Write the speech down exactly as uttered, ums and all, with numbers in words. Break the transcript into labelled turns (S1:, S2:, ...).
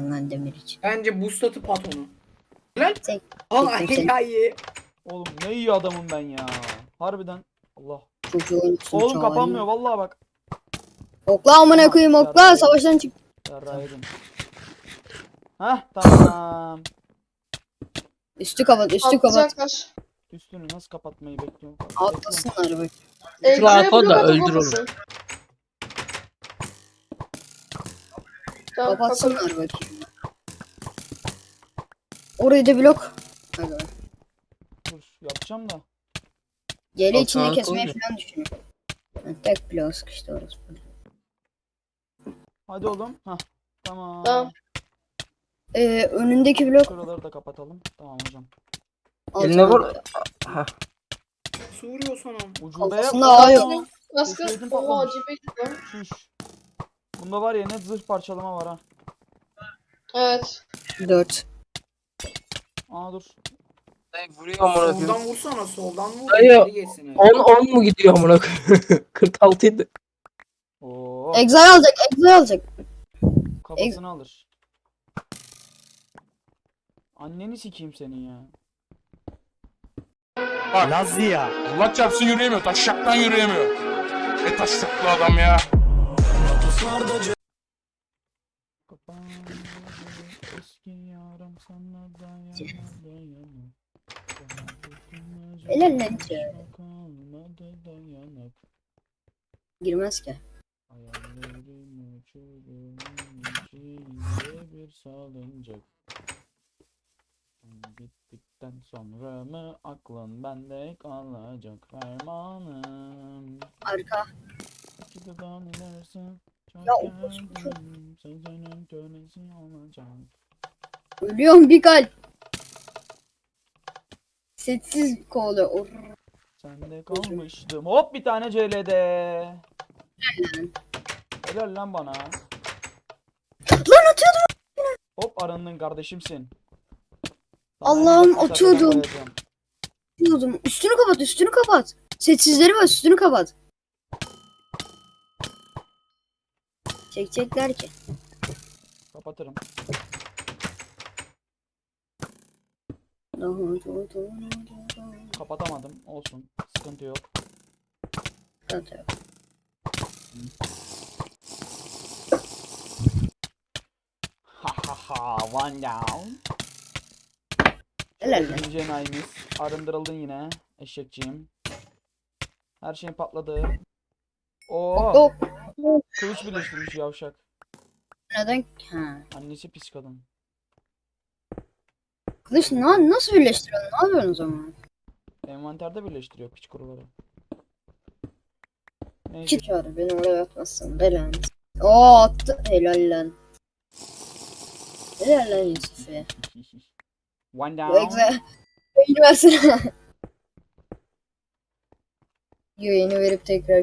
S1: lazım lan demir için.
S2: Bence boost atıp at onu. Lan.
S1: Tek,
S2: Allah
S1: çektim seni.
S2: ya iyi.
S3: Oğlum ne iyi adamım ben ya. Harbiden. Allah.
S1: Çocuğu oyuncusun.
S3: Oğlum kapanmıyor vallahi bak.
S1: Okla amına koyayım okla
S3: Yarrağı
S1: savaştan çık.
S3: Yarrağı yedim. Hah tamam.
S1: Üstü kapat üstü kapat.
S4: Atlayacaklar.
S3: Üstünü nasıl kapatmayı bekliyorum.
S1: Atlasınlar bak.
S4: Egzo'ya
S5: Rafa da
S4: blok
S5: öldür
S4: atamasın. Tamam, kapat.
S1: Kapatsınlar bakayım. Orayı da blok. Hadi.
S3: Dur yapacağım da.
S1: Geri
S5: Bak,
S1: içinde
S5: sağa
S1: kesmeyi
S5: koy.
S1: falan düşünüyorum. Ha, tek blok sıkıştı orası.
S3: Hadi oğlum. Hah. Tamam.
S4: Tamam.
S1: Ee, önündeki blok.
S3: Şuraları da kapatalım. Tamam hocam.
S5: Eline
S1: altına-
S5: vur. Ha.
S2: Nasıl vuruyor sana?
S3: Ucube
S1: Kafasında
S3: yapma.
S1: ağ yok.
S4: Kaskı.
S3: Keşfedin
S4: Oha
S3: patlamış.
S4: cipe gitti.
S3: Şuş. Bunda var ya net zırh parçalama var ha.
S4: Evet.
S1: Dört.
S3: Aa dur.
S5: Dayı vuruyor amına koyayım.
S2: Soldan vursana soldan vur.
S5: Dayı,
S2: içeri geçsin.
S5: on on mu gidiyor amına koyayım? kırk altı idi.
S3: Oo.
S1: Exile alacak, exile alacak.
S3: Kafasını alır. Anneni sikeyim senin ya.
S6: Bak.
S7: Lazlı ya.
S6: Allah çarpsın yürüyemiyor. Taşşaktan yürüyemiyor. E taşşaklı adam ya.
S3: Kapandı eski yarım sana dayanır dayanır.
S1: Helal lan içeri.
S3: Kalmadı dayanıp.
S1: Girmez ki.
S3: Hayallerim uçurum içinde bir salıncak. Bittikten sonra mı aklın bende kalacak fermanım.
S1: Arka.
S3: Gididan ilersin. Çok
S1: Ya, o-
S3: geldim, sözünün kölesi olacak.
S1: Ölüyorum bir kalp. Sessiz kovalıyor. Or.
S3: Sende kalmıştım. Hop bir tane C L'de. Helal lan bana.
S1: Lan atıyordum.
S3: Hop arındın kardeşimsin.
S1: Allah'ım,
S3: en ufak
S1: atıyordum.
S3: mesafe koyacağım.
S1: Diyordum. Üstünü kapat, üstünü kapat. Sessizleri var, üstünü kapat. Çekecekler ki.
S3: Kapatırım. Kapatamadım. Olsun. Sıkıntı yok. Ha ha ha. One down.
S1: Helal lan.
S3: İkinci enayimiz. Arındırıldın yine. Eşekçiyim. Her şey patladı. Oo.
S1: Hop.
S3: Kılıç birleştirmiş yavşak.
S1: Neden? Ha.
S3: Annesi pis kadın.
S1: Kılıç na nasıl birleştiriyorsun? Ne yapıyorsun o zaman?
S3: Envanterde birleştiriyor piç kuruları. Neyse.
S1: Kit çağır. Beni oraya atmazsın. Belen. Oo attı. Helal lan. Helal lan Yusuf'e.
S3: One
S1: Bu
S3: down.
S1: egze. Yayını versene. Yayını verip tekrar